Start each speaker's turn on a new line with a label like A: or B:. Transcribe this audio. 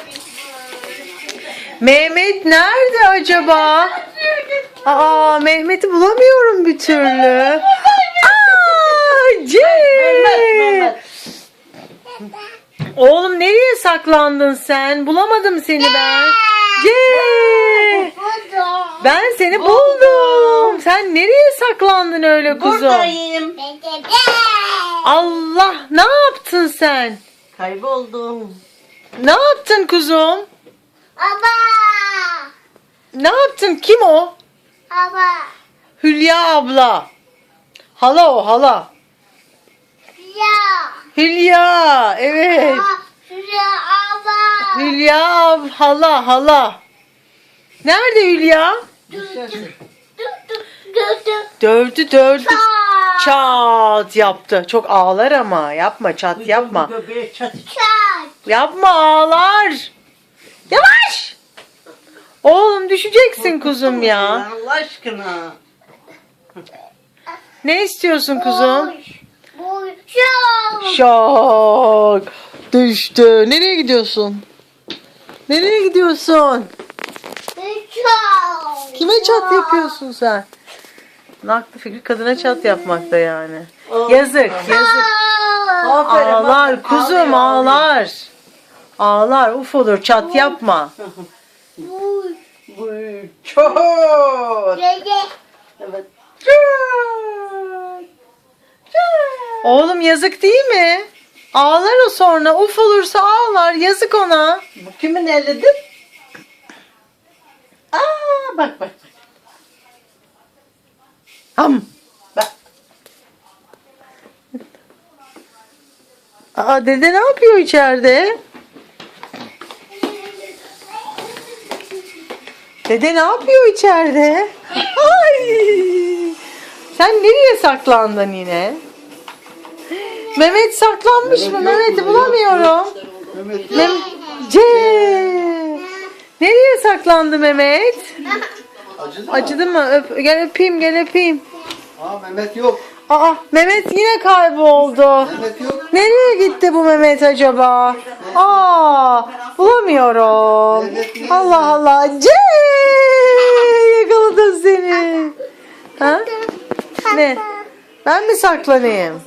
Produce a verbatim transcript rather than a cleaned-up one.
A: Mehmet nerede acaba? Aa, Mehmet'i bulamıyorum bir türlü. Aa, C. Oğlum nereye saklandın sen? Bulamadım seni ben. C. Ben seni buldum. Sen nereye saklandın öyle kuzum?
B: Buradayım.
A: Allah, ne yaptın sen?
B: Kayboldum.
A: Ne yaptın kuzum?
C: Baba.
A: Ne yaptın? Kim o?
C: Baba.
A: Hülya abla. Hala o, hala.
C: Ya.
A: Hülya, evet.
C: Şuraya baba.
A: Hülya ab- hala hala. Nerede Hülya? Dövdü dövdü. Çat yaptı. Çok ağlar ama. Yapma, çat yapma.
B: Göbeğe çat.
A: Yapma, ağlar. Yavaş. Oğlum düşeceksin kuzum ya.
B: Allah aşkına.
A: Ne istiyorsun kuzum?
C: Bu çok.
A: Şok. Düştü. Nereye gidiyorsun? Nereye gidiyorsun?
C: Çok.
A: Kime çat yapıyorsun sen? Aklı fikri kadına çat yapmakta yani.
B: Oh.
A: Yazık, yazık.
B: Aferin,
A: Ağlar
B: aferin.
A: kuzum,
B: Ağlıyor,
A: ağlar. Ağlar, uf olur, çat yapma.
C: Bu.
B: Bu çok.
C: Dede.
B: Evet.
A: Oğlum yazık değil mi? Ağlar o sonra, uf olursa ağlar, yazık ona.
B: Bu kimin elidir? Aa, bak bak bak.
A: Ham.
B: Bak.
A: Aa, dede ne yapıyor içeride? Dede ne yapıyor içeride? Ay! Sen nereye saklandın yine? Mehmet saklanmış mı? Mehmet'i bulamıyorum. Mem C. Nereye saklandı Mehmet?
D: Acıdı mı?
A: Acıdı mı? Öp, gel öpeyim, gel öpeyim.
D: Aa Mehmet yok.
A: Aa, Mehmet yine kayboldu.
D: Mehmet yok.
A: Nereye gitti bu Mehmet acaba? Aa, bulamıyorum. Allah Allah. C. Yakaladım seni. Ha? Ne? Ben mi saklanayım?